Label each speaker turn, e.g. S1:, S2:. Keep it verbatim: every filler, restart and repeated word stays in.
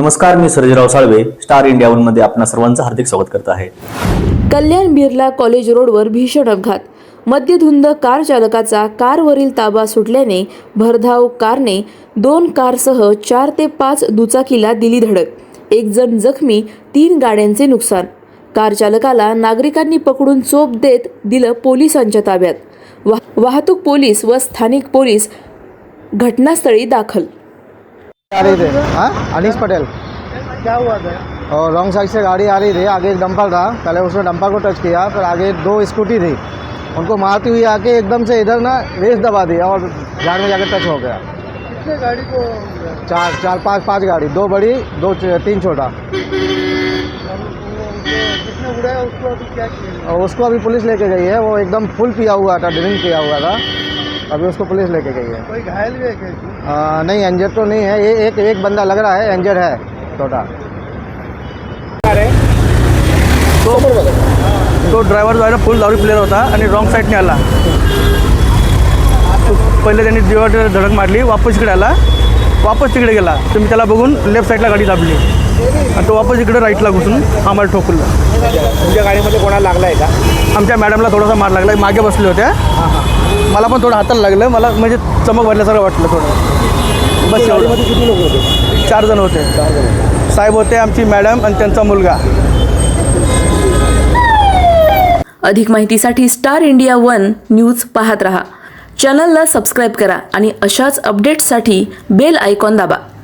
S1: नमस्कार, मी Sarjerao Salve, Star India one मध्ये आपणा सर्वांचं हार्दिक स्वागत करत आहे।
S2: कल्याण बिर्ला कॉलेज रोडवर भीषण अपघात। मद्यधुंद कार चालकाचा कारवरील ताबा सुटल्याने भरधाव कारने दोन कारसह चार ते पाच दुचाकीला दिली धडक। एक जण जखमी, तीन गाड्यांचे नुकसान। कार चालकाला नागरिकांनी पकडून चोप देत दिलं पोलिसांच्या ताब्यात। वाहतूक पोलीस व स्थानिक पोलीस घटनास्थळी दाखल।
S3: आ रही थे हाँ अनीस पटेल।
S4: क्या हुआ था?
S3: और रॉन्ग साइड से गाड़ी आ रही थी, आगे एक डंपर था, पहले उसने डंपर को टच किया, फिर आगे दो स्कूटी थी, उनको मारती हुई आके एकदम से इधर ना रेस दबा दी और झाड़ में जाकर टच हो गया।
S4: कितने गाड़ी को?
S3: चार चार पाँच पाँच गाड़ी, दो बड़ी दो तीन छोटा।
S4: किसने उड़ाया उसको? अभी क्या किया?
S3: और उसको अभी पुलिस लेके गई है, वो एकदम फुल पिया हुआ था, ड्रिंक किया हुआ था, अभी उसको पुलिस लेके गई है।
S4: कोई घायल भी है क्या?
S3: आ, नहीं इंजर तो नहीं है, ये एक एक बंदा लग रहा है इंजर है छोटा।
S5: तो तो ड्रायव्हर जो आहे ना फुल दारू प्लेअर होता आणि रॉंग साईडने आला। तो पहिले त्यांनी डिवायडर धडक मारली, वापस इकडे आला, वापस तिकडे गेला, तर मी त्याला बघून लेफ्ट साईडला गाडी दाबली आणि तो वापस इकडे राईटला घुसून आम्हाला ठोकलं।
S4: तुमच्या गाडीमध्ये कोणाला लागला आहे का?
S5: आमच्या मॅडमला थोडासा मार लागला, मागे बसले होत्या, मला पण थोडं हाताला लागलं, मला म्हणजे चमक भरल्यासारखं वाटलं थोडं। बस एवढं।
S4: किती लोक होते?
S5: चार जण होते, साहेब होते, आमची मॅडम आणि त्यांचा मुलगा।
S2: अधिक माहितीसाठी स्टार इंडिया वन न्यूज पाहत रहा। चॅनलला सबस्क्राइब करा आणि अशाच अपडेट्ससाठी बेल आयकॉन दाबा।